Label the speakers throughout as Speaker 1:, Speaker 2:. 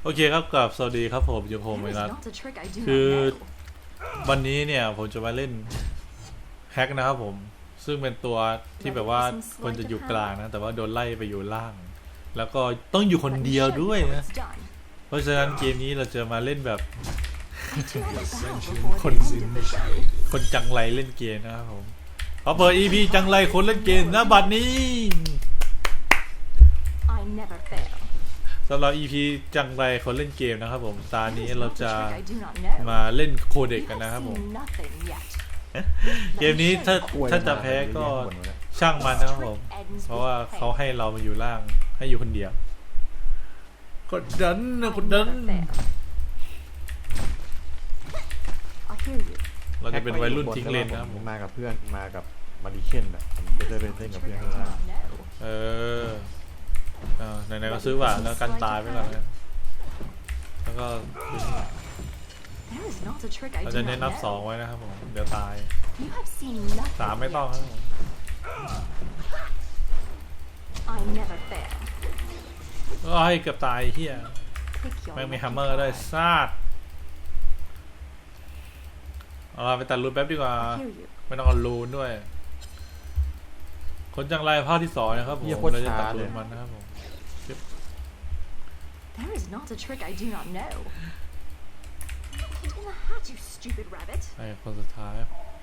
Speaker 1: โอเคครับกับสวัสดีครับผมยูโฮมนัทคือวันนี้เนี่ยผมจะมาเล่นแฮกนะครับผมซึ่งเป็นตัวที่แบบว่าควรจะอยู่กลางนะแต่ว่าโดนไล่ไปอยู่ล่างแล้วก็ต้องอยู่คนเดียวด้วยนะเพราะฉะนั้นเกมนี้เราจะมาเล่นแบบคนจังไรเล่นเกมนะครับผมพอเปิด EP จังไรคนเล่นเกมนะบัดนี้สำหรับ EP จังไรคนเล่นเกมนะครับผมตอนนี้เราจะมาเล่นโคเด็กกันนะครับผมเกมนี้ถ้าจะแพ้ก็ช่างมันนะครับผมเพราะว่าเขาให้เรามาอยู่ล่างให้อยู่คนเดียวกดดันนะกดดันเราจะเป็นวัยรุ่นทิ้งเลนนะครับผม
Speaker 2: มากับเพื่อนมากับมาริเคนอ่ะผมจะได้เล่นกับเพื่อนข้างล่างไหนๆก็ซื้อหวานแล้วกันตายไปก่อนนะแล้วก็เราจะเน้นนับ2ไว้นะครับผมเดี๋ยวตาย3ไม่ต้องครับก็ให้เกือบตายเฮียแม่งมีฮัมเมอร์ได้ซาดเอาไปตัดรูนแป๊บดีกว่าไม่ต้องเอารูนด้วยคนจังไรภาคที่2นะครับผมเราจะตัดรูนมันนะครับผม
Speaker 3: There is not a trick I do not know. Get in the hat, you stupid rabbit.
Speaker 1: ไอ้คนสุดท้าย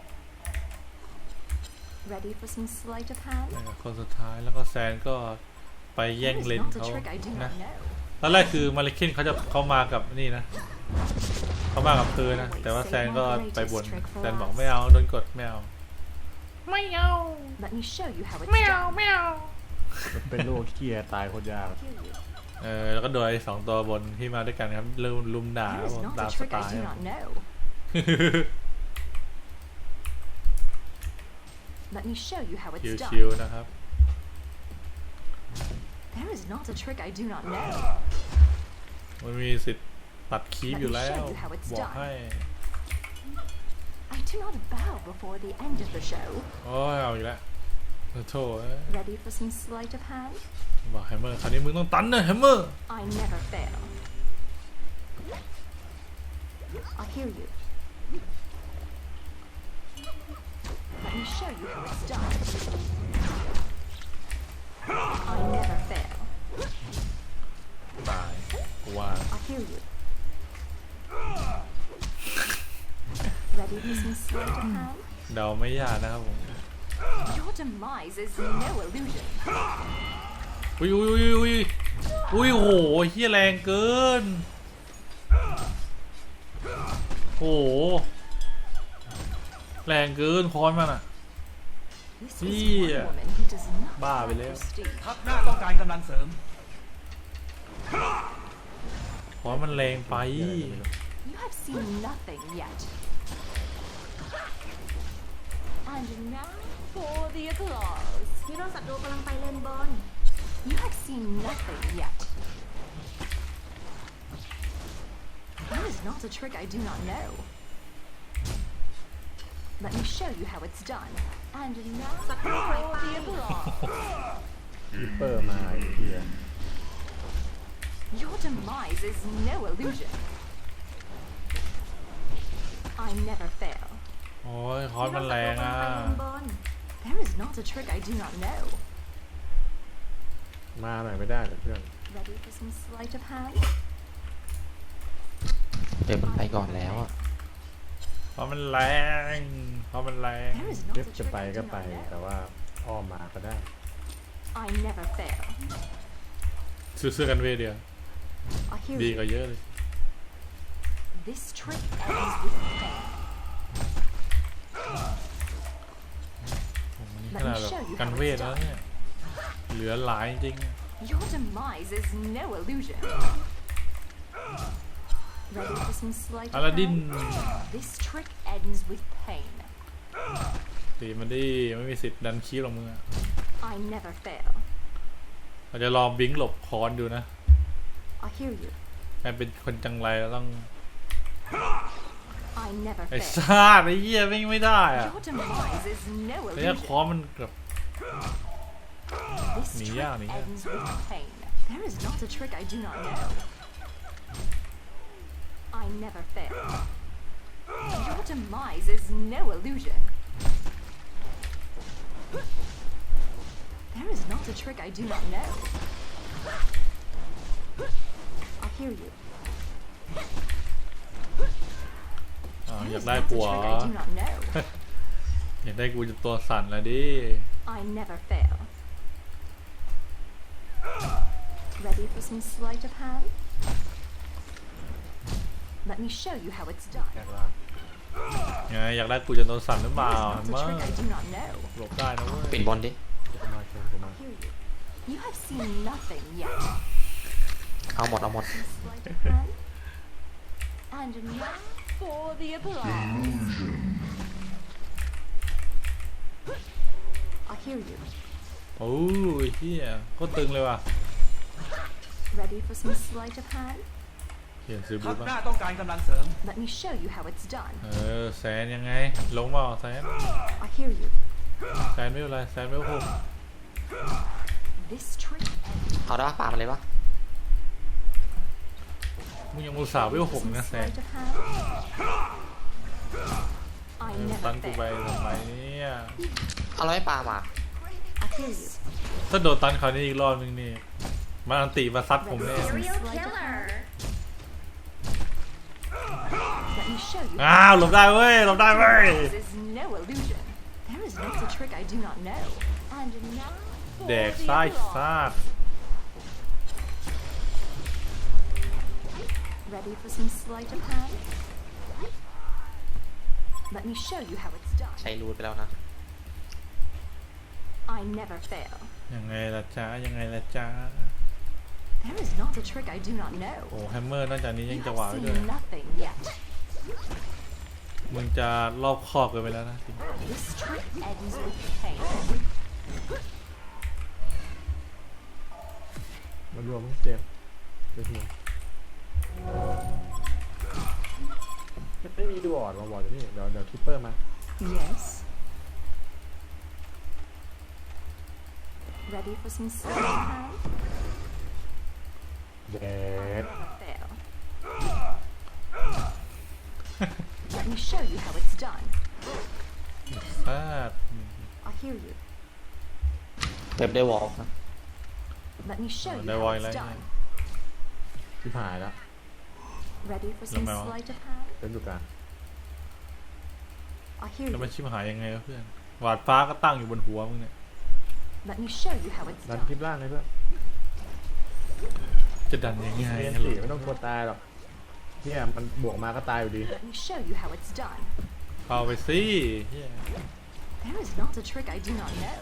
Speaker 3: Ready for some sleight of hand?
Speaker 1: ไอ้คนสุดท้ายแล้วก็แซนก็ไปแย่งเลนเขานะตอนแรกคือมาริเคนเขามากับนี่นะเขามากับคือนะแต่ว่าแซนก็ไปบ่นแซนบอกไม่เอาโดนกดไม่เอา
Speaker 3: ไม่เอา Let me show you how it's done.
Speaker 1: ไม่เอาไม่เอา
Speaker 2: เป็นโรคเคียตายคนยาก
Speaker 1: แล้วก็โดย2ตัวบนที่มาด้วยกันครับลุมด่าตามสไตล์ชิวๆนะครับ
Speaker 3: There is not a trick I do not know.
Speaker 1: มันมีสิทธิ์ตัดคีบอยู่แล้วบอกให้
Speaker 3: I do not bow before the end of the show.
Speaker 1: โอ้ยเอาอีกแล้วโถ่
Speaker 3: Ready for some sleight of hand?
Speaker 1: บอกแฮมเมอร์คราวนี้มึงต้องตันนะแฮมเมอร์
Speaker 3: I never fail. I hear you. Let me show you how it's done. I never fail.
Speaker 1: ตายว่า
Speaker 3: I hear you. Ready for some sleight of hand?
Speaker 1: เดาไม่ยากนะครับผม
Speaker 3: Your demise is no illusion.
Speaker 1: อุ้ยโหเฮียแรงเกินโหแรงเกินคอนมันอ่ะเฮียบ้าไปแล้ว
Speaker 4: ทัพหน้าต้องการกำลังเสริม
Speaker 1: คอนมันแรงไป
Speaker 3: You have seen nothing yet. And now for the applause.
Speaker 5: ฮีโร่ศัตรูกำลังไปเลนบอล
Speaker 3: You have seen nothing yet. That is not a trick I do not know. Let me show you how it's done. And now for the applause.
Speaker 2: คีเปอร์มาเฮีย
Speaker 3: Your demise is no illusion. I never fail.
Speaker 1: โอ้ยคอนมันแรงอ่ะ
Speaker 3: There is not a trick I do not know.
Speaker 2: มาหน่อยไม่ได้เหรอเพื่อน
Speaker 3: Ready for some sleight of hand?
Speaker 6: เดี๋ยวมันไปก่อนแล้วอ่ะ
Speaker 1: คอนมันแรงคอนมันแรง
Speaker 3: There is
Speaker 2: เล็บ
Speaker 3: not a
Speaker 2: จะ
Speaker 3: trick
Speaker 2: ไป
Speaker 3: I
Speaker 2: ก็
Speaker 3: do
Speaker 2: ไป
Speaker 3: not
Speaker 2: แต่
Speaker 3: know.
Speaker 2: ว่าอ้อมมาก็ได้
Speaker 3: I never fail.
Speaker 1: ซื้อกันเวเดียว
Speaker 3: I hear
Speaker 1: ดี
Speaker 3: you.
Speaker 1: กว่าเยอะเลย
Speaker 3: This trick ends with pain.
Speaker 1: นี่ขนาดแบบกันเวทแล้วเนี่ยเหลือหลายจริง
Speaker 3: Your demise is no illusion. Ready for some sleight
Speaker 1: อา
Speaker 3: of
Speaker 1: ลาดิน
Speaker 3: hand? This trick ends with pain.
Speaker 1: ตีมันดิไม่มีสิทธิ์ดันคีบหรอกมึงอะ
Speaker 3: I never fail.
Speaker 1: เราจะลองบิงหลบคอนดูนะ
Speaker 3: I hear you.
Speaker 1: ให้เป็นคนจังไรเราต้อง
Speaker 3: I never
Speaker 1: ไอ้
Speaker 3: fail.
Speaker 1: ซาดไอ้เหี้ยไม่ได้อะ
Speaker 3: Your demise is no
Speaker 1: เนี่ยคอ
Speaker 3: illusion.
Speaker 1: มันแบบ
Speaker 3: This
Speaker 1: Nỉ
Speaker 3: trick
Speaker 1: ra, nỉ ra.
Speaker 3: ends with pain. There is not a trick I do not know. never fail. Your demise is no illusion. There is not a trick I do not know. I hear you.
Speaker 1: อยา
Speaker 3: There
Speaker 1: ก
Speaker 3: is
Speaker 1: ได้
Speaker 3: not a
Speaker 1: ผัว
Speaker 3: trick I do not know.
Speaker 1: อยากได้กูจะตัวสั่นละดิ
Speaker 3: I never fail. Ready for some sleight of hand? Let me show you how it's done.
Speaker 4: แค่ว่า
Speaker 1: ไงอยากได้กูจะตัวสั่นหรือเปล่า
Speaker 3: There is
Speaker 1: มา
Speaker 3: not a trick I do not know.
Speaker 1: หลบได้นะเว้ย
Speaker 6: ปิดบนดิ
Speaker 4: ผมมาเชิญผมมา
Speaker 3: I hear you. You have seen nothing yet.
Speaker 6: เอาหมด
Speaker 3: Some sleight of hand. And now for the applause. I hear you.
Speaker 1: โอ้ยเฮียก็ตึงเลยว่ะ
Speaker 3: Ready for some sleight of hand?
Speaker 1: เขียนซื้อ
Speaker 4: ทั
Speaker 1: บุ๊
Speaker 4: พ
Speaker 1: ก
Speaker 4: หน้า
Speaker 1: อะ
Speaker 4: ต้องการกำลังเสริม
Speaker 3: Let me show you how it's done.
Speaker 1: แซนยังไง ลงมาแซน
Speaker 3: I hear you.
Speaker 1: แซนไม่เป็นไรแซนไม่โหก
Speaker 3: This trick.
Speaker 6: เอาได้ปะปามาเลยปะ
Speaker 1: มึงยังอุตส่าห์ไม่โหก
Speaker 3: Some
Speaker 1: นะแซน
Speaker 3: sleight of hand. I
Speaker 1: ตัน
Speaker 3: never
Speaker 1: กูไป
Speaker 3: fail.
Speaker 1: ทำไมเนี่ย
Speaker 6: เอาแล้วไม่ปามา
Speaker 3: I hear you.
Speaker 1: ถ้าโดนตันคราวนี้อีกรอบนึงนี่มันอันติมาซัดผมแน่
Speaker 5: Serial killer.
Speaker 3: Let me show you.
Speaker 1: อ้าวหลบได้เว้ยหลบได้เว้ย
Speaker 3: This is no illusion. There is not a trick I do not know. And now for
Speaker 1: แดก
Speaker 3: the
Speaker 1: ไส้
Speaker 3: applause.
Speaker 1: ซาด
Speaker 3: Ready for some sleight of hand? Let me show you how it's done.
Speaker 6: ใช้รูดไปแล้วนะ
Speaker 3: I never fail.
Speaker 1: ยังไงล่ะจ๊ะยังไงล่ะจ๊ะ
Speaker 3: There is not a trick I do not know.
Speaker 1: โอ้แฮมเมอร์นอกจากนี้ยัง
Speaker 3: You
Speaker 1: จะ
Speaker 3: have
Speaker 1: หวาไว้ด้วย
Speaker 3: seen nothing yet.
Speaker 1: มึงจะรอบคอบเกันไปแล้วนะ
Speaker 3: This trick ends with pain.
Speaker 4: มารวมเจมเดี๋ยวไม่มีดูออดมาบอกเดี๋ยวนี่เดี๋ยวคิปเปอร์มา
Speaker 3: Yes. Ready for some sleight of hand?
Speaker 4: เด็ด
Speaker 3: Fail. Let me show you how it's done.
Speaker 1: ซาด
Speaker 3: I hear you.
Speaker 6: เว็บได้วอล์กนะ
Speaker 3: Let me show you
Speaker 1: ได้
Speaker 3: how
Speaker 1: ไว
Speaker 3: it's
Speaker 1: แล้ว
Speaker 3: done.
Speaker 4: ที่ผ่านแล้ว
Speaker 3: Ready for some
Speaker 1: Lemon.
Speaker 3: sleight of hand?
Speaker 4: เป็นอยู่กลาง
Speaker 3: I hear
Speaker 1: แล้วมัน
Speaker 3: you.
Speaker 1: ชิบหายยังไงวะเพื่อนหวาดฟ้าก็ตั้งอยู่บนหัวมึงเนี่ย
Speaker 3: Let me show you how it's
Speaker 4: ดัน
Speaker 3: done.
Speaker 4: คลิปล่างเลยเพื่อน
Speaker 1: จะดันยังไง
Speaker 4: เรียน
Speaker 1: ฮัลโหล
Speaker 4: สี่ไม่ต้องกลัวตายหรอกเนี่ยมันบวกมาก็ตายอยู่ดี
Speaker 3: Let me show you how it's done.
Speaker 1: เอาไปสิเหี้ย
Speaker 3: There is not a trick I do not know.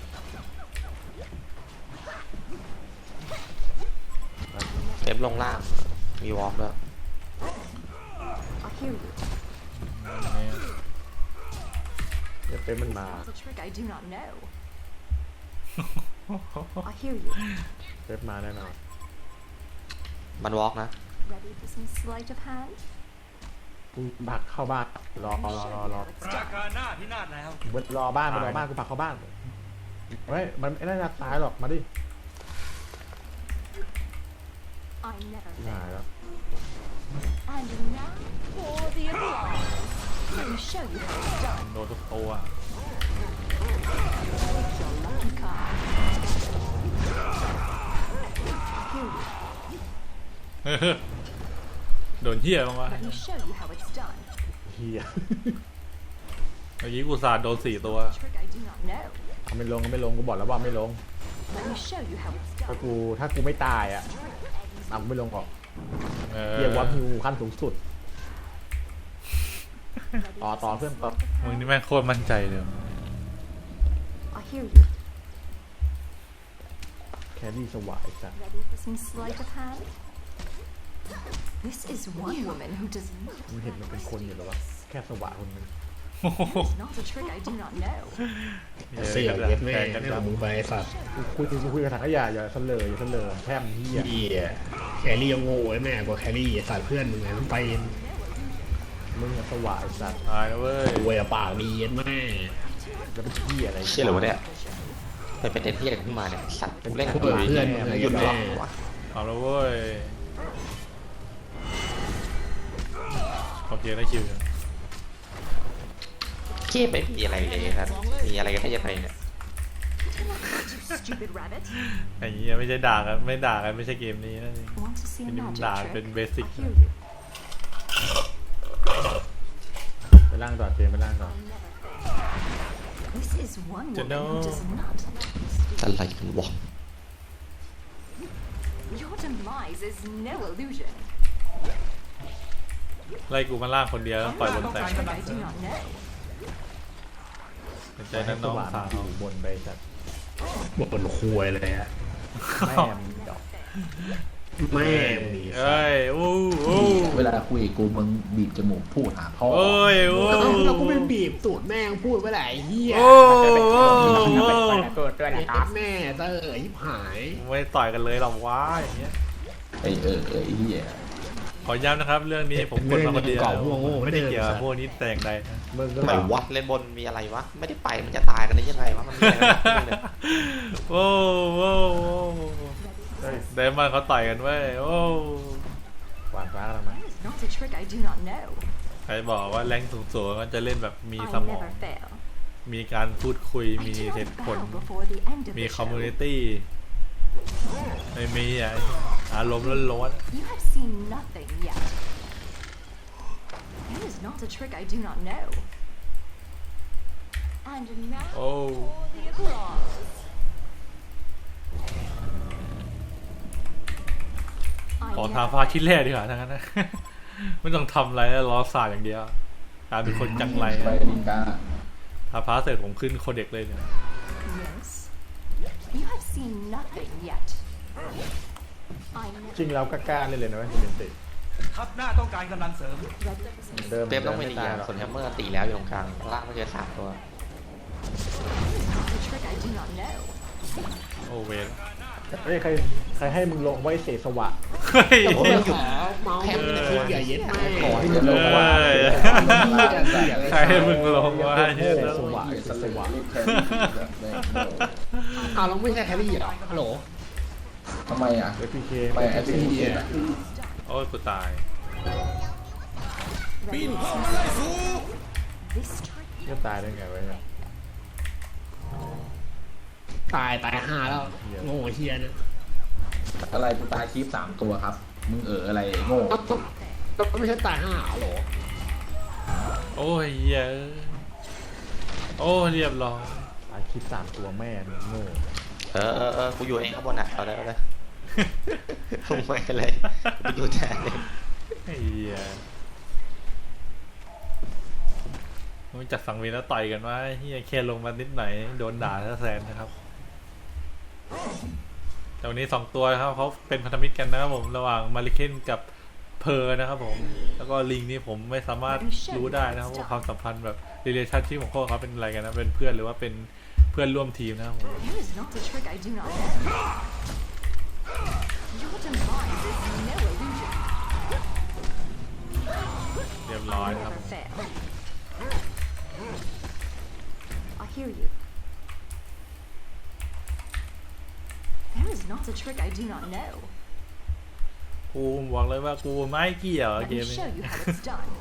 Speaker 6: เว็บลงล่าง มีวอล์กด้วย
Speaker 3: I hear you.
Speaker 1: ยังไง
Speaker 4: เดี๋ยวเป็นมันมา
Speaker 3: Not a trick I do not know. I hear you.
Speaker 4: เป็นมาแน่นอน
Speaker 6: มันวอล์กนะ
Speaker 3: Ready for some sleight of hand?
Speaker 4: กูผลักเข้าบ้านรอ
Speaker 3: Let me show you how it's
Speaker 4: รา
Speaker 3: done.
Speaker 4: คาหน้าพินาศแล้วรอบ้านรอบ้านกูผลักเข้าบ้านเฮ้ยมันไม่น่าตายหรอกมาดิ
Speaker 3: I never
Speaker 4: หาย
Speaker 3: fail.
Speaker 4: แล้ว
Speaker 3: And now for the applause. Let me show you how it's done.
Speaker 1: โดนทุกตัว
Speaker 3: Pick your lucky card. I hear you.
Speaker 1: โดนเหี้ยบ้างวะ
Speaker 3: Let me show you how it's done.
Speaker 4: เฮีย
Speaker 1: เมื่อกี้กูสาดโดน4 ตัว
Speaker 3: Trick I do not know.
Speaker 4: เอาไม่ลงก็ไม่ลงกูบอกแล้วว่าไม่ลง
Speaker 3: Let me show you how it's
Speaker 4: ถ้า
Speaker 3: done.
Speaker 4: กูไม่ตายอ่ะเอากูไม่ลงหรอก
Speaker 1: เอ
Speaker 4: เฮียวัด
Speaker 1: อ
Speaker 4: ฮิวขั้นสูงสุด
Speaker 3: Ready for
Speaker 4: ต่อ
Speaker 3: some
Speaker 4: เพื่อน
Speaker 3: sleight of
Speaker 1: มึง
Speaker 3: hand?
Speaker 1: นี่แม่งโคตรมั่นใจเลย
Speaker 3: I hear you.
Speaker 4: แครี่สวายจ้ะ
Speaker 3: Ready for some sleight of hand? This is one woman who does not
Speaker 4: มึงเห็นมันเป็นคนอยู่หรอวะแค่สวายคนนึง
Speaker 3: There is not a trick I do not know.
Speaker 2: เสี่ยวเย็ดแม่
Speaker 1: แข่งกัน
Speaker 2: เรื่องของมึงไปไอ้สัตว์
Speaker 4: กูคุยกับถังขยะอย่าเสลออย่าเสลอแค่มเฮีย
Speaker 2: เหี้ยแครี่ยังโง่ไอ้แม่กว่าแครี่ไอ้สัตว์เพื่อนมึงไงต้องไป
Speaker 4: มึงอะสวายสัตว์
Speaker 1: ตายแล้วเว้ย
Speaker 2: รวยอะปากดีเย็ดแม่
Speaker 4: แล้วเป็นเฮียอะไร
Speaker 6: เชี่ยเหรอวะเนี่ยเป็นเด็นที่อะไรขึ้นมาเนี่ย สัตว์กูเล่นกับ
Speaker 2: เพื่อนมึง
Speaker 6: หยุด
Speaker 2: แม่
Speaker 6: ล็อกวะ
Speaker 1: เอาแล้วเว้ยเกมได้คิวอยู่
Speaker 6: เกมไม่มีอะไรเลยครับมีอะไรกันได้ยังไงเนี่ย
Speaker 3: You stupid rabbit.
Speaker 1: ไอ้เหี้ยไม่ใช่ด่ากันไม่ด่ากันไม่ใช่เกมนี้นั่นเอง
Speaker 3: Want to see a
Speaker 1: อันนี้มัน
Speaker 3: magic
Speaker 1: ด่า
Speaker 3: trick?
Speaker 1: เป็นเบสิก
Speaker 3: I hear you.
Speaker 4: ไปล่างต่อเจมไปล่างต่อ
Speaker 3: This is one woman
Speaker 1: Dunno.
Speaker 3: who does not let me
Speaker 6: อะไรกันวะ
Speaker 3: sleep. Your demise is no illusion.
Speaker 1: ไล่กูมาล่างคนเดียวแล้วปล่อยบนแตก
Speaker 3: I do not know.
Speaker 1: ใจนั้นน้องสาว
Speaker 4: อยู่บนใบจัด
Speaker 2: บนควยเลยฮะ
Speaker 4: แม่มดอก
Speaker 2: แม่งดี
Speaker 1: เอ้ยโอ้โอ้
Speaker 7: เวลาคุยกับกูมึงบีบจมูกพูดหาพ่อ
Speaker 1: โอ้ยโอ้
Speaker 2: เราก็ไม่บีบสูตรแม่งพูดเมื่อไหร่เฮีย
Speaker 1: โอ้โอ้
Speaker 4: เกิดด้วยนะครับ
Speaker 2: แม่เตอร์ยิบหาย
Speaker 1: ไม่ต่อยกันเลยหรอกว้าอย่างเงี้ย
Speaker 7: ไอ้ไอ้เหี้ย
Speaker 1: ขอย้ำนะครับเรื่องนี้ผมกดมาคนเดียว
Speaker 2: เก่าโง่ๆ
Speaker 1: ไม่ได้เกี่ยวกับพวกนี้แต่อย่างใดนะ
Speaker 4: มึงก็
Speaker 6: ทำไม
Speaker 4: แบบ
Speaker 6: วะเล่นบนมีอะไรวะไม่ได้ไปมันจะตายกันได้ยังไงวะมันมีอะไรกันเนี่ย
Speaker 1: โอ้โอ้เดมอนเขาต่อยกันเว้ยโอ้
Speaker 4: หวานฟ้าแล้วมั้ย
Speaker 3: That is not a trick I do not know.
Speaker 1: ใครบอกว่าแรงสูงๆมันจะเล่นแบบมี
Speaker 3: I
Speaker 1: สมอง
Speaker 3: never fail.
Speaker 1: มีการพูดคุย
Speaker 3: I
Speaker 1: มี
Speaker 3: do
Speaker 1: เห
Speaker 3: not
Speaker 1: ตุผล
Speaker 3: bow before the end of
Speaker 1: มี
Speaker 3: the
Speaker 1: คอมมูนิ
Speaker 3: show.
Speaker 1: ตี้ไม่มีอ่ะอารมณ์ล้วน
Speaker 3: You have seen nothing yet. That is not a trick I do not know. And now
Speaker 1: ๆโอ้
Speaker 3: for the applause.
Speaker 1: ขอทางฟ้าคิดแรกดีกว่าทั้งนั้นนะ ไม่ต้องทำอะไรแล้วรอสาดอย่างเดียวกลายเป็นคนจังไร
Speaker 7: ไปดินกา
Speaker 1: ทาฟ้าเสร็จผมขึ้นโคเด็กเลยเนี่ย
Speaker 3: Yes. You have seen nothing yet. I
Speaker 4: จริง
Speaker 3: never
Speaker 4: เราก็กล้าเล่นเลยนะเว้ยเมนติ
Speaker 8: ทัพหน้าต้องการกำลังเสริม
Speaker 4: เดิม
Speaker 6: เปมต้องไม่ดี
Speaker 4: ตาย
Speaker 6: อ่ะ
Speaker 4: หรอก
Speaker 6: ส่วนแฮมเมอร์ตีแล้วอยู่ตรงกลางล่างไม่เจอ3ตัว
Speaker 3: a trick I do not know.
Speaker 1: โอเวน
Speaker 4: เฮ้ยใครให้มึงลงไว้เสสวะ
Speaker 1: เฮ้ย
Speaker 2: ขอเมาส์ไม่ได้คุยอย่าเย็ดแม่
Speaker 4: ขอให้มึงลงว่า
Speaker 1: ใครให้มึงลงวะ
Speaker 4: เส
Speaker 1: เฮ้ย
Speaker 4: สวะเสสวะ
Speaker 2: อ้าวเราไม่ใช่แครี่เหรอฮัลโหล
Speaker 7: ทำไมอ่ะ
Speaker 4: เอพีเค
Speaker 7: ไปแอดมินเองอ่ะ
Speaker 1: โอ้ยกูตาย
Speaker 3: This trick
Speaker 4: จะตายได้ไงวะเนี่ย
Speaker 2: ตาย5แล้วโง่เฮียนะ
Speaker 7: อะไรกูตายคลิป3ตัวครับ มึงอะไรโง่
Speaker 2: ก็ไม่ใช่ตาย5ฮัลโหล
Speaker 1: โอ้ยเหี้ยโอ้เรียบร้อย
Speaker 4: อาคิด3ตัวแม่มึงโง่
Speaker 6: กูอยู่เองข้างบนอ่ะเอาเลยลงไปเลยกูอยู่แทนเลย
Speaker 1: ไอ้เหี้ยมึงจัดสังเวียนแล้วต่อยกันว่าเฮียแค่ลงมานิดหน่อยโดนด่าซะแซนนะครับแต่วันนี้2ตัวนะครับเขาเป็นพันธมิตรกันนะครับผมระหว่างมาริเคนกับเพอร์นะครับผมแล้วก็ลิงนี่ผมไม่สามารถรู้ได้นะครับว่าความสัมพันธ์แบบ relationship ของพวกเขาเป็นอะไรกันนะเป็นเพื่อนหรือว่าเป็นเพื่อนร่วมทีมนะครับผม
Speaker 3: That is not a trick I do not know. Your demise is no illusion.
Speaker 1: เรียบร้อย
Speaker 3: I
Speaker 1: นะครับ
Speaker 3: never fail. I hear you. There is not a trick I do not know.
Speaker 1: กูบอกเลยว่ากูไม่เกี่ยวกับ
Speaker 3: Let
Speaker 1: เก
Speaker 3: me
Speaker 1: มนี้
Speaker 3: show you how it's done.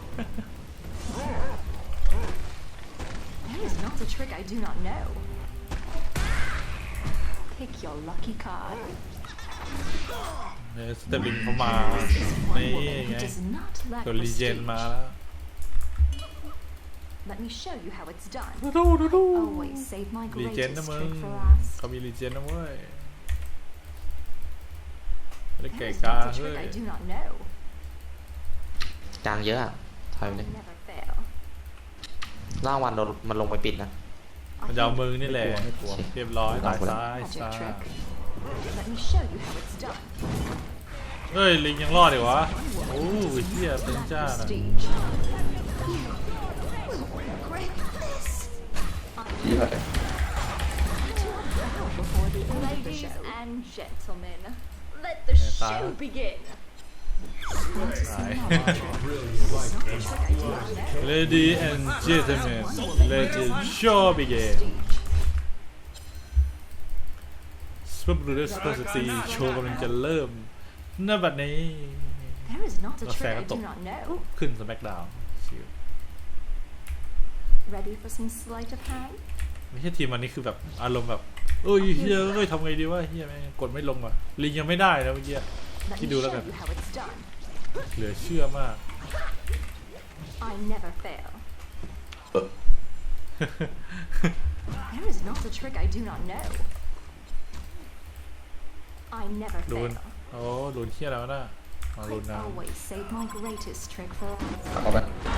Speaker 3: There is not a trick I do not know. Pick your lucky card.
Speaker 1: สเตปลิงเขามา
Speaker 3: This is one
Speaker 1: นี่
Speaker 3: woman
Speaker 1: ไง
Speaker 3: who does not lack
Speaker 1: ตัวรีเจน
Speaker 3: prestige.
Speaker 1: มาแล้ว
Speaker 3: Let me show you how it's done.
Speaker 1: ดู
Speaker 3: Always save my
Speaker 1: รีเจน
Speaker 3: greatest
Speaker 1: นะมึง
Speaker 3: trick for last.
Speaker 1: เขามีรีเจนนะเว้ยไม่ได้
Speaker 3: There
Speaker 1: เก่
Speaker 3: is
Speaker 1: กา
Speaker 3: not a
Speaker 1: เฮ้ย
Speaker 3: trick I do not know.
Speaker 6: กลางเยอะอ่ะถอยไป
Speaker 3: I
Speaker 6: เลย
Speaker 3: never fail.
Speaker 6: ล่างวันโดนมันลงไปปิดนะ
Speaker 1: มันจะเอามึงนี่แหละ
Speaker 4: ไม่กลัว
Speaker 1: เรียบร้อยตายซ้าย
Speaker 3: Magic
Speaker 1: ซ้าย
Speaker 3: trick. Let me show you how it's done.
Speaker 1: เฮ้ยลิงยังรอดอีกวะโอ้ยเฮียเป็น
Speaker 3: Lack
Speaker 1: จ้าน่ะ
Speaker 3: prestige. Great.
Speaker 7: ที่ไหน
Speaker 3: Bow before the end of the show.
Speaker 5: and gentlemen, let the
Speaker 1: show
Speaker 5: begin.
Speaker 1: ตาย
Speaker 3: Not a trick I do not know.
Speaker 1: Lady and gentlemen let the show begin สปรูเดสเปอร์สตีโชว์กำลังจะเริ่มณบัดนี้
Speaker 3: There is not a
Speaker 1: Let's
Speaker 3: trick
Speaker 1: say
Speaker 3: I
Speaker 1: I
Speaker 3: do
Speaker 1: don't-
Speaker 3: not know.
Speaker 1: ขึ้นสแมกดาวชิว
Speaker 3: Ready for some sleight of hand?
Speaker 1: ไม่ใช่ทีมอันนี้คือแบบอารมณ์แบบเอ้ยเฮียเอ้ยทำไงดีวะเฮียแม่งกดไม่ลงว่ะลิงยังไม่ได้นะเมื่อกี้
Speaker 3: Let me
Speaker 1: Chị đùa
Speaker 3: show
Speaker 1: lắm à?
Speaker 3: you how it's done.
Speaker 1: เหลือเชื่อมาก
Speaker 3: I never fail. There is not a trick I do not know. I never
Speaker 1: โดน
Speaker 3: fail.
Speaker 1: โอ้โดนเฮียแล้วนะมาโดน
Speaker 3: I
Speaker 1: น้
Speaker 3: always save my greatest trick for last.
Speaker 7: เข้าไป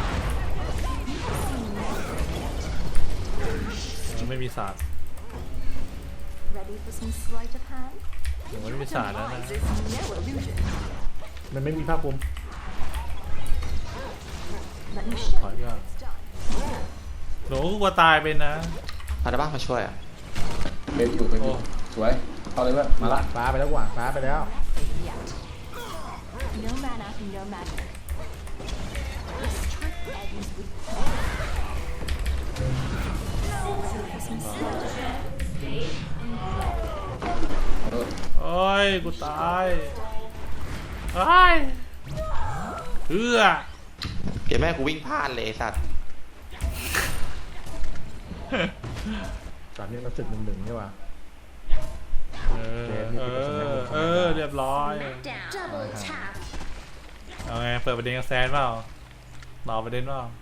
Speaker 1: ำไม่มีศาสตร์
Speaker 3: Ready for some sleight of hand?
Speaker 1: ยังไม่มีศาสตร์แล้วนะ
Speaker 3: Demise is no illusion.
Speaker 4: มันไม่มีภาคภูมิ
Speaker 3: Let me show
Speaker 1: Hỏi
Speaker 3: you
Speaker 1: ra.
Speaker 3: how it's done.
Speaker 1: หนูกลัวตายไปนะ
Speaker 6: เอาได้บ้างมาช่วยอ่ะ
Speaker 7: เบลอยู่เบลอยู่
Speaker 1: โอ้
Speaker 7: สวย เข้าเลยเพื่อนมาละ
Speaker 4: ฟ้าไปแล้วกว่าฟ้าไปแล้ว
Speaker 3: Yet. No mana, no magic. This trick ends with some sleight of hand.
Speaker 1: โอ้ยกูตายไอ้ยเอื้อ
Speaker 6: เดี๋ยวแม่กูวิ่งพลาดเลยไอ้สัตว์
Speaker 4: ตอนนี้เราศึก1-1ใช่ป่ะ
Speaker 1: เออเรียบร้อย
Speaker 5: Double tap.
Speaker 1: เอาไงเปิดประเด็นกับแซนเปล่าต่อประเด็นเปล่า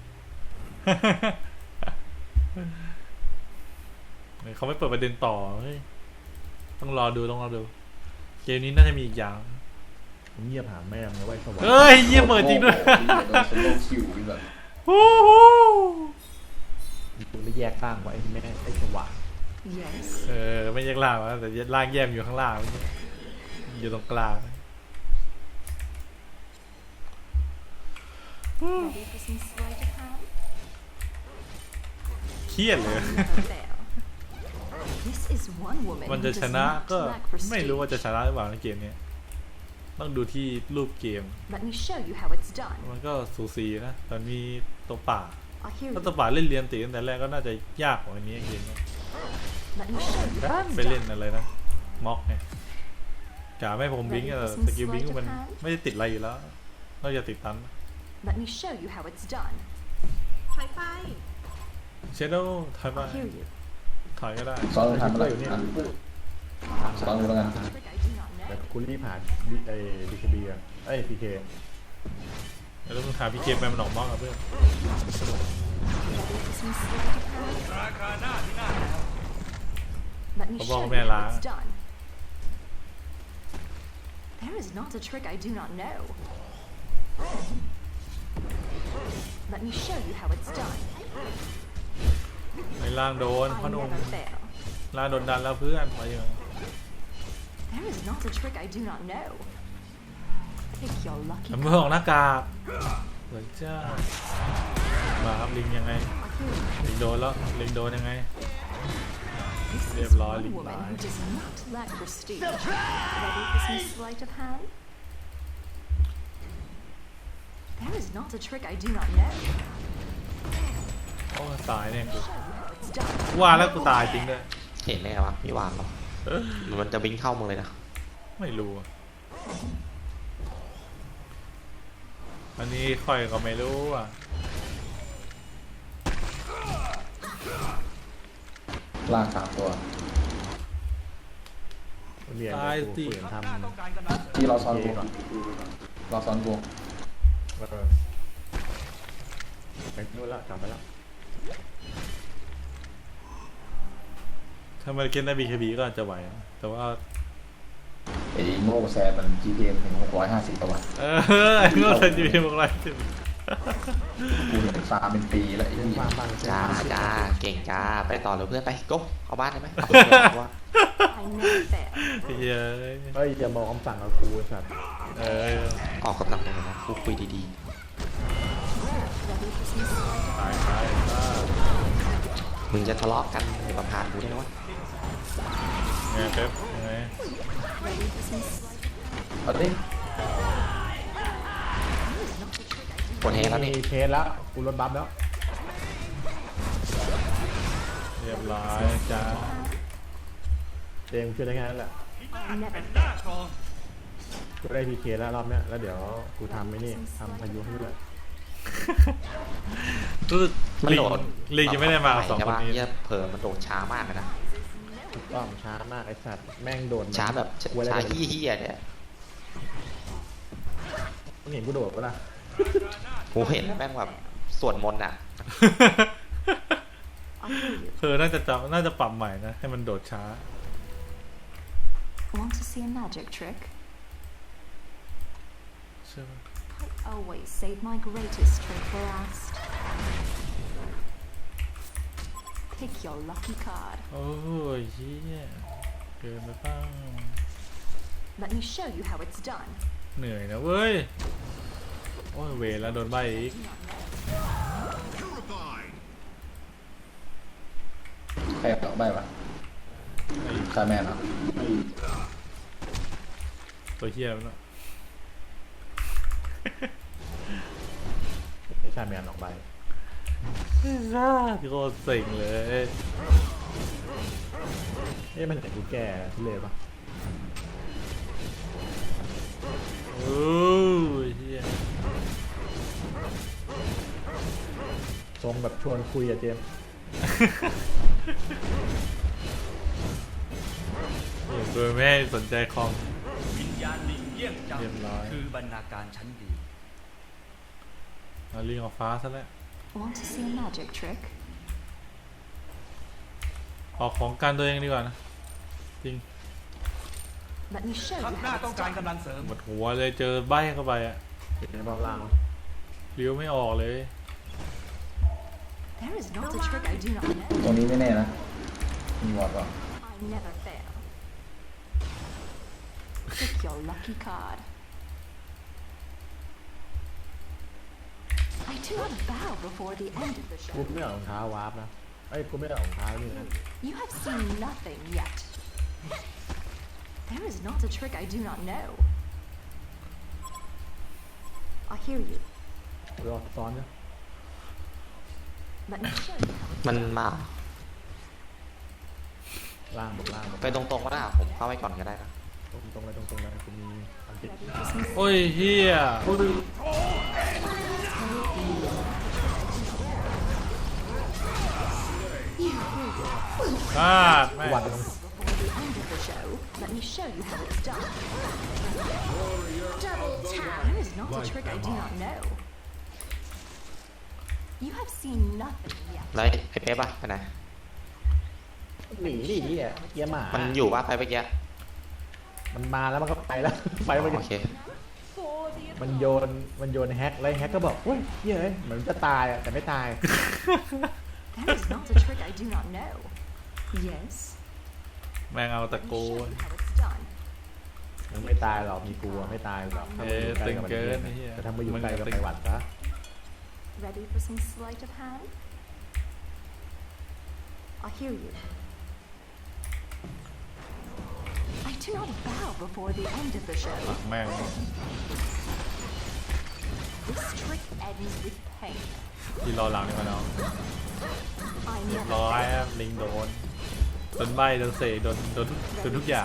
Speaker 1: เขาไม่เปิดประเด็นต่อเฮ้ยต้องรอดูเกมนี้น่าจะมีอีกอย่าง
Speaker 4: ผมเงียบหาแม่งเลยไว้สวรรค์
Speaker 1: เฮ้ยเยี่ยมเปิดจริงด้วย
Speaker 7: โดนสโลว์คิวแบบ
Speaker 1: ฮู้ฮู้
Speaker 4: กูได้แยกข้างไว้แม่ไอ้สว่าง
Speaker 3: Yes.
Speaker 1: ไม่แยกล่างนะแต่ล่างแยกอยู่ข้างล่างเมื่อกี้อยู่ตรงกลาง
Speaker 3: Ready for some sleight of hand?
Speaker 1: เครียดเลย
Speaker 3: Never fail. This is one woman
Speaker 1: มัน
Speaker 3: who
Speaker 1: จะ
Speaker 3: does
Speaker 1: ชนะ
Speaker 3: not
Speaker 1: ก็
Speaker 3: lack
Speaker 1: ไม่รู้ว่าจะ
Speaker 3: prestige.
Speaker 1: ชนะหรือเปล่าในเกมนี้ต้องดูที่รูปเกม
Speaker 3: Let me show you how it's done.
Speaker 1: มันก็สูสีนะแต่มีตัวป่า
Speaker 3: I hear
Speaker 1: ถ้า
Speaker 3: you.
Speaker 1: ตัวป่าเล่นเรียนตีตั้งแต่แรกก็น่าจะยากกว่าอันนี้เกมนี้
Speaker 3: Let me show you
Speaker 1: ด้า
Speaker 3: how
Speaker 1: น
Speaker 3: it's
Speaker 1: ไปเล่น
Speaker 3: done.
Speaker 1: อะไรนะม็อกไงกาไม่ผมบิงก์อะสกิลบิงก์มันไม่ได้ติดอะไรอยู่แล้วนอกจากติดตัน
Speaker 3: Let me show you how it's done.
Speaker 1: เชโดว์ถอยไป
Speaker 3: I hear you.
Speaker 1: ถอยก็ได้
Speaker 7: ซ้อนทันเมื่อไหร่
Speaker 4: อยู่นี่
Speaker 7: ซ้อนดูแล้วกัน
Speaker 3: Trick I do not
Speaker 4: แต่
Speaker 3: know.
Speaker 4: กูรีบผ่านไอ้ดีคบีอ่ะไอ้พีเค
Speaker 1: แล้วมึงหาพี่เกมไปมันออกม็อกอะเพื่อน
Speaker 3: Ready for some sleight of hand?
Speaker 8: ราคาหน้าที่หน้าแล้ว
Speaker 3: Let me
Speaker 1: Có
Speaker 3: show
Speaker 1: bom
Speaker 3: you
Speaker 1: mẹ
Speaker 3: how
Speaker 1: lá.
Speaker 3: it's done. There is not a trick I do not know. Let me show you how it's done.
Speaker 1: ในล่างโดน
Speaker 3: I
Speaker 1: พ่อหนุ่ม
Speaker 3: never fail.
Speaker 1: ล่างโดนดันแล้วเพื่อนไปยัง
Speaker 3: There is not a trick I do not know. Pick your lucky
Speaker 1: มือของหน้ากากเหมือนจ้ามาครับลิงยังไง
Speaker 3: I hear you.
Speaker 1: ลิงโดนแล้วลิงโดนยังไง
Speaker 3: This
Speaker 1: Liệp
Speaker 3: is
Speaker 1: lòi,
Speaker 3: one
Speaker 1: liệp
Speaker 3: woman
Speaker 1: lòi.
Speaker 3: who does not lack prestige. Ready for some sleight of hand? There is not a trick I do not know.
Speaker 1: โอ้ตายเนี่ย
Speaker 3: Show you how it's done.
Speaker 1: ว่าแล้วกูตายจริงด้วย
Speaker 6: เห็นได้ไงวะมีวางเหรอหรือมันจะวิ่งเข้ามึงเลยนะ
Speaker 1: ไม่รู้อะอันนี้ค่อยก็ไม่รู้อ่ะ
Speaker 7: ลาก3ตัว
Speaker 4: เรียน
Speaker 1: ตายสิ
Speaker 4: ฝืน
Speaker 8: ทัพ
Speaker 4: ทำ
Speaker 8: หน้าต้องการกำลังเสริม
Speaker 7: ที่เราซ้อนกูเราซ้อนกู
Speaker 4: ไปนู่นละกลับไปแล้ว
Speaker 1: ถ้ามันเล่นได้ BKB ก็อาจจะไหวนะแต่ว่า
Speaker 7: ไอ้โง่แซนมัน GPM ถึง650ตัว
Speaker 1: ไอ้เงาทันจีพีบอกอะไร
Speaker 7: กูเห็นฟาร์มเป็นปีแล้วไอ้
Speaker 4: เล่น
Speaker 7: นี่
Speaker 4: ฟาร์มบ้าง
Speaker 6: จ้าจ้าเก่งจ้าไปต่อเลยเพื่อนไปโก้เข้าบ้านได้ไหมว่า
Speaker 3: I never fail.
Speaker 1: เฮ้ย
Speaker 4: เฮ้ยอย่าบอกคำสั่งกับกูไอ้สัตว์
Speaker 6: ออกกำลังกายนะคุยดี
Speaker 3: Ready for some sleight of
Speaker 1: ตายตายตาย
Speaker 6: ๆมึงจะทะเลาะกันอย่ามาพานกูได้นะวะ
Speaker 1: ไงเป๊ปยังไง
Speaker 3: Ready for some sleight of hand?
Speaker 7: เอาดิ
Speaker 3: There is not a trick I do
Speaker 6: กดเฮแล้ว
Speaker 4: มี
Speaker 6: นี่
Speaker 4: เคสแล้วกูลดบัฟแล้ว
Speaker 1: เรียบร้อยจ้า
Speaker 4: เดงช่วยได้แค่นั้นแหละ
Speaker 3: I never
Speaker 8: เป็นหน้ากรอง
Speaker 4: กูได้พีเคแล้วรอบเนี้ยแล้วเดี๋ยวกูทำไอ้นี่ทำพายุให้ด้วย
Speaker 1: รู้สึก
Speaker 6: มัน
Speaker 1: ลิง
Speaker 6: โดด
Speaker 1: ลิงยังไม่ได้มากับสอง
Speaker 6: ใช่
Speaker 1: คน
Speaker 6: ปะ
Speaker 1: นี้
Speaker 6: เหี้ยเผลอมันโดดช้ามากเลยนะ
Speaker 4: ก็ช้ามากไอ้สัตว์แม่งโดน
Speaker 6: ช้าแบบ
Speaker 4: กลัวอะไร
Speaker 6: ช้า
Speaker 4: กัน
Speaker 6: เหี้ยๆเนี่ย
Speaker 4: มึงเห็นกูโดดปะล่ะ
Speaker 6: กูเห็นแม่งแบบสวดมนต์อ่ะ
Speaker 1: น่าจะปรับใหม่นะ ให้มันโดดช้า
Speaker 3: Want to see a magic trick?
Speaker 1: ใช่ไหม
Speaker 3: I always save my greatest trick for last. Pick your lucky card.
Speaker 1: โอ้ยเฮียเกินไปบ้าง
Speaker 3: Let me show you how it's done.
Speaker 1: เหนื่อยนะเว้ย โอ้ยเวรแล้วโดนใบอีก
Speaker 7: ใครต่อใบวะคาแมนเหรอ
Speaker 1: ตัวเฮียมันเนาะ
Speaker 4: ไอ้ชาแมนออกใบ
Speaker 1: โคตรเซ็งเลย
Speaker 4: มันเห็นกูแก่ทุเลยปะ
Speaker 1: โอ้ยเฮีย
Speaker 4: ทรงแบบชวนคุยอะเจมส์
Speaker 1: โดยไม่ให้สนใจคอม
Speaker 8: วิญญาณลิงเยี่ยงจัง
Speaker 1: เรียบร้อย
Speaker 8: คือบรรณาการชั้นดี
Speaker 1: เอาลิงออกฟ้าซะแล้ว
Speaker 3: Want to see a magic trick?
Speaker 1: ออกของการตัวเองดีกว่านะจริง
Speaker 3: Let me show
Speaker 8: ทั
Speaker 3: you
Speaker 8: พหน้า
Speaker 3: how
Speaker 8: ต้อง
Speaker 3: it's
Speaker 8: การ
Speaker 3: done.
Speaker 8: กำลังเสริม
Speaker 1: หมดหัวเลยเจอใบเข้าไปอะ
Speaker 4: ในรอบล่าง
Speaker 1: เลี้ยวไม่ออกเลย
Speaker 3: There is not a trick I do not
Speaker 7: ตรง
Speaker 3: know.
Speaker 7: นี้ไม่แน่นะ มีวอร์ดป่ะ
Speaker 3: I never fail. Pick your lucky card. I do not bow before the end of the
Speaker 4: กู
Speaker 3: show.
Speaker 4: ไม่เอารองเท้าวาร์ปนะกูไม่เอารองเท้านี่นะ
Speaker 3: You have seen nothing yet. There is not a trick I do not know. I hear you.
Speaker 4: รอซ้อนนะ
Speaker 3: Let me show you how it's
Speaker 6: มันมา
Speaker 4: ล่างบนล่างบน
Speaker 6: ไปตรงๆก็ได้ผมเข้าไปก่อนก็ได้นะ
Speaker 4: ตรงเลยตรงเลยกูมีอันติด
Speaker 3: ready for some
Speaker 1: โอ้ยเฮียพลาดแม่ง
Speaker 4: วัดตรง
Speaker 3: before the end of the show. Let me show you how it's done. Double tap. There is not a trick I do not know. You have seen nothing yet.
Speaker 6: แล้วไอ้เป๊ะป่ะไปไหน
Speaker 4: หนีดิเหี้ยเหี้ยหมา
Speaker 6: มันอยู่ป่ะไปเมื่อกี้
Speaker 4: มันมาแล้วมันก็ไปแล้ว ไปไป
Speaker 6: โอเค
Speaker 4: มันโยนแฮกแล้วแฮกก็บอกเฮ้ยเหี้ยเหมือนจะตายอะแต่ไม่ตาย
Speaker 3: There is not a trick I do not know. Yes.
Speaker 1: แม่งเอาตะ
Speaker 3: Let me
Speaker 1: โก
Speaker 3: show
Speaker 1: น
Speaker 3: you how it's done.
Speaker 4: มันไม่ตายหรอกมีกลัวไม่ตายหรอกถ้ามันอยู่ใกล้กับมัน
Speaker 1: ตึงเกินไอ้เหี้ย
Speaker 4: แต่ถ้ามาอยู่ใกล้กับไปหวัดซะ
Speaker 3: Ready for some sleight of hand? I hear you. I do not bow before the end of the show.
Speaker 1: แม่ง
Speaker 3: This trick ends with pain.
Speaker 1: ที่รอหลังนี่มาเนาะ
Speaker 3: I
Speaker 1: เรียบ
Speaker 3: never
Speaker 1: ร้อย
Speaker 3: fail.
Speaker 1: ครับลิงโดนใบโดนเสกโดนทุกอย่าง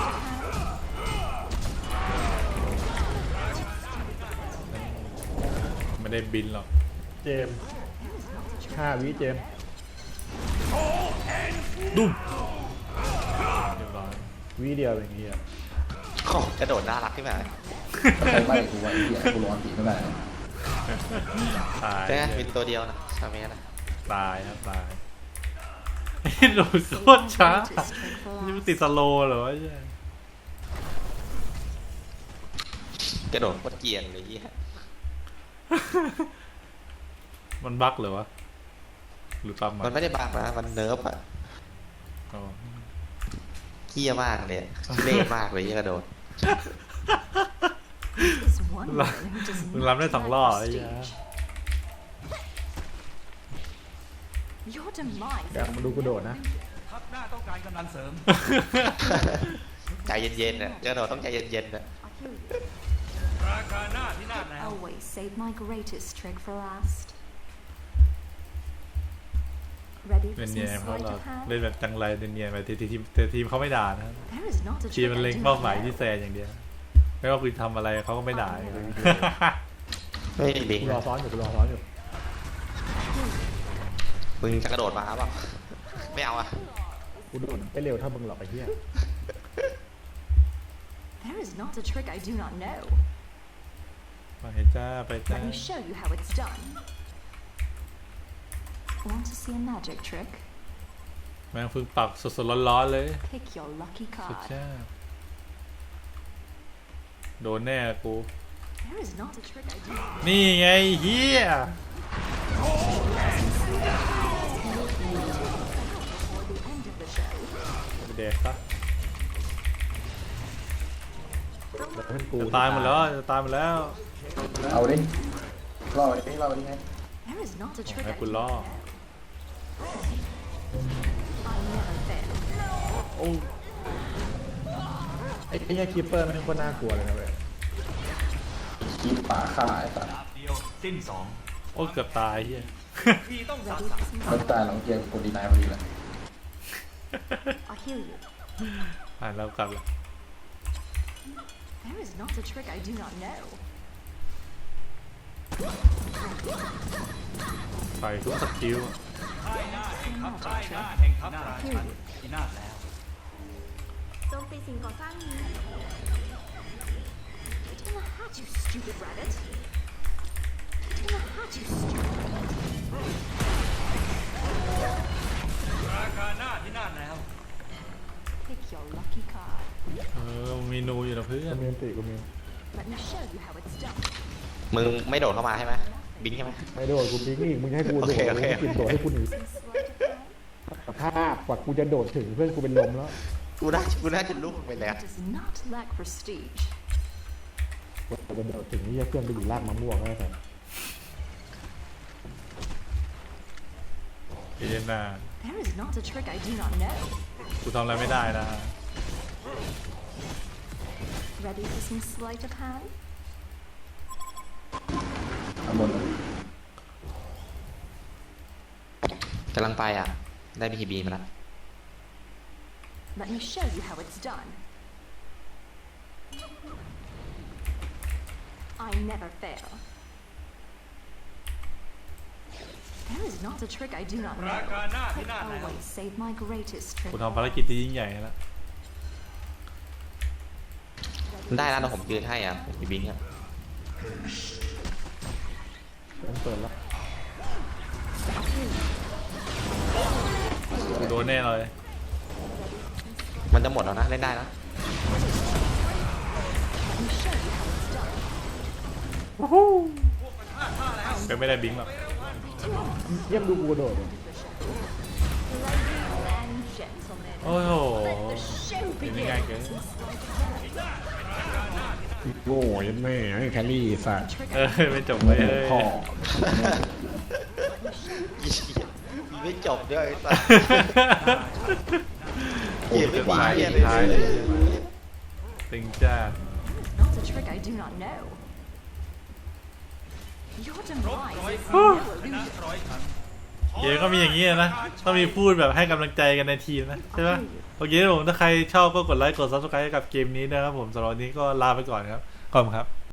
Speaker 1: ไม่ได้บินหรอก
Speaker 4: เจมส์5 วิเจมส์
Speaker 1: ดุ้มเรียบร้อย
Speaker 4: วิเดียวอย่างเงี้ย
Speaker 6: โอ้กระโดดน่ารักขึ้นมา
Speaker 7: ใครใบกูวะไอ้เหี้ยกูร้อนตีไม่ได้
Speaker 1: ตาย
Speaker 6: ใช่ไหมมีตัวเดียวนะชาเมนะ
Speaker 1: ตายครับตายโดนโคตรช้า
Speaker 3: Greatest trick for
Speaker 1: นี่มัน
Speaker 3: last.
Speaker 1: ติดสโลว์เหรอวะเนี่ย
Speaker 6: กระโดดโคตรเกรียนเลยเหี้ย
Speaker 1: มันบั๊กเหรอวะหรือปั๊ม
Speaker 6: มันไม่ได้บังนะมันเนิร์ฟอะ
Speaker 1: อ๋อ
Speaker 6: เกี้ยมากเลยเล่มากเลยยี่กระโดด
Speaker 3: Is one
Speaker 1: Là-
Speaker 3: man who does
Speaker 1: mình
Speaker 3: not
Speaker 1: làm đến thằng
Speaker 3: lack
Speaker 1: lo rồi
Speaker 3: prestige.
Speaker 1: vậy.
Speaker 3: Your demise.
Speaker 4: เดี๋ยวมาดูกูโดดนะ
Speaker 8: ทัพหน้าต้องการกำลังเสริม
Speaker 6: ใจเย็นๆนะกระโดดต้องใจเย็นๆนะ
Speaker 3: I hear you.
Speaker 8: ราคาหน้าที่หน้าแนว
Speaker 3: Always save my greatest trick for last. Ready
Speaker 1: เนี
Speaker 3: for
Speaker 1: ย
Speaker 3: some
Speaker 1: นๆเพราะ
Speaker 3: sleight
Speaker 1: เรา
Speaker 3: of hand?
Speaker 1: เล่นแบบจังไรเนียนๆไปแต่ทีมเขาไม่ด่านะครับ
Speaker 3: There is not a
Speaker 1: ทีม
Speaker 3: trick
Speaker 1: มัน
Speaker 3: I
Speaker 1: เล็ง
Speaker 3: do
Speaker 1: เป้า
Speaker 3: not
Speaker 1: หมายที่
Speaker 3: know.
Speaker 1: แซนอย่างเดียวไม่ว่าคุณทำอะไรเขาก็ไม่ด่า
Speaker 3: I never
Speaker 6: ไม่มีบิง
Speaker 4: กูรอซ้อนอยู่กูรอซ้อนอยู่
Speaker 6: มึงจะกระโดดมาเปล่าไม่เอาอะ
Speaker 4: กูโดนไม่เร็วเท่ามึงหรอกไอ้เหี้ย
Speaker 3: There is not a trick I do not know.
Speaker 1: ไปจ้าไปจ้า
Speaker 3: Let me show you how it's done. Want to see a magic trick?
Speaker 1: แม่งเพิ่งปักสดๆร้อนๆเลย
Speaker 3: Pick your lucky
Speaker 1: สุด
Speaker 3: card.
Speaker 1: จ้าโดนแน่กู
Speaker 3: There is not a trick I do not know.
Speaker 1: นี่ไงเฮีย
Speaker 3: Before the end of the show.
Speaker 1: ไปแดกซะ
Speaker 4: เดี๋ยวเพื่อนกู
Speaker 1: จะตายหมดแล้วจะตายหมดแล้ว
Speaker 7: เอาดิรอดิรอดิไง
Speaker 3: There is not a trick
Speaker 1: ให้
Speaker 3: I
Speaker 1: กู
Speaker 3: do
Speaker 1: ล่อ
Speaker 3: not know. I never fail.
Speaker 4: ไอ้เหี้ยคีปเปอร์มันเป็นคนน่ากลัวเลยนะเว้ย
Speaker 7: คลิปป่าฆ่าไอ้สัตว์
Speaker 8: ดาบเดียวสิ้นสอง
Speaker 1: โอ้เกือบตายเฮีย
Speaker 8: พี่ต้องสา
Speaker 3: Ready
Speaker 8: สะ
Speaker 3: for some
Speaker 7: แล้วตายหลังเกมกดดีนายพอดีเลย
Speaker 3: I'll heal you.
Speaker 1: ผ่านแล้วกลับละ
Speaker 3: There is not a trick I do not know.
Speaker 1: ใส่ทุกสกิล
Speaker 8: ค่ายหน้าแห่งทัพค่ายหน้าแห่งทัพราชันพินาศแล้ว
Speaker 5: โจมตีสิ่งก่อสร้างนี้
Speaker 3: Get in the hat, you stupid rabbit. Get in the hat, you stupid rabbit.
Speaker 8: ราคาหน้าพินาศแล้ว
Speaker 3: Pick your lucky card.
Speaker 1: มีนูอยู่นะเพื่อ
Speaker 4: กู
Speaker 1: น
Speaker 4: มีอันติกูมี
Speaker 3: Let me show you how it's done.
Speaker 6: มึงไม่โดดเข้ามาใช่ไหมบิงใช่ไหม
Speaker 4: ไม่โดดกูปิ๊กอีกมึงจะให้กูโดด
Speaker 6: โอเค
Speaker 4: มึงให้กินโดดให้กูหนี
Speaker 3: Some sleight of hand.
Speaker 4: สภาพกว่ากูจะโดดถึงเพื่อนกูเป็นลมแล้ว
Speaker 6: กูน่าจะลุกไปแล้ว
Speaker 3: It does not lack prestige.
Speaker 4: กว่าจะโดดถึงนี่เพื่อนไปอยู่รากมะม่วงแล้วแต่
Speaker 1: เอเจนนา
Speaker 3: There is not a trick I do not know.
Speaker 1: กูทำอะไรไม่ได้นะ
Speaker 3: Ready for some sleight of hand?
Speaker 7: ข้างบนเลย
Speaker 6: กำลังไปอ่ะ ได้บีทีบีมาแล้ว
Speaker 3: Let me show you how it's done. I never fail. There is not a trick I do not know.
Speaker 8: ราคาหน้าพิ
Speaker 3: I
Speaker 8: นาศแล้ว
Speaker 3: always save my greatest trick.
Speaker 1: กูทำภารกิจที่ยิ่งใหญ่แล้ว
Speaker 6: ได้แล้วนะผมยืนให้อ่ะผมมีบิงอ่ะ
Speaker 4: เปิดแล้ว
Speaker 1: กูโดนแน่เลย
Speaker 6: มันจะหมดแล้วนะเล่นได้นะ
Speaker 3: Let me show you how it's done.
Speaker 1: ก็ไม่ได้บิงหรอก
Speaker 4: เยี่ยมดูกูโดดเลย
Speaker 5: Ladies and gentlemen
Speaker 1: โอ้โห
Speaker 5: let the show
Speaker 1: เป็นยัง
Speaker 5: begin
Speaker 1: ไงเก๋
Speaker 4: โง่ยันแม่ให้แครี่สัตว์
Speaker 3: Trick
Speaker 1: เอ
Speaker 3: I
Speaker 1: อไม่จบเลยเอ้ย
Speaker 4: พ่อ
Speaker 6: ไม่จบด้วยไอ้สัส
Speaker 4: โอ้ย
Speaker 6: ไม่
Speaker 4: วาย
Speaker 6: เหี้ย
Speaker 4: ท้าย
Speaker 6: เล
Speaker 4: เลย ย
Speaker 1: ติงจ้า
Speaker 3: not a trick I do not know. Your
Speaker 8: รบ
Speaker 3: demise
Speaker 8: ร้อย
Speaker 3: is
Speaker 8: ครั้ง
Speaker 3: no
Speaker 8: ชนะ
Speaker 3: illusion.
Speaker 8: ร้อยครั้ง
Speaker 1: เกมก็มีอย่างนี้นะต้องมีพูดแบบให้กำลังใจกันในทีมนะใช่ไหมโอเคครับผมถ้าใครชอบก็กดไลค์กด subscribe ให้กับเกมนี้นะครับผมสำหรับวันนี้ก็ลาไปก่อนครับขอบคุณครับ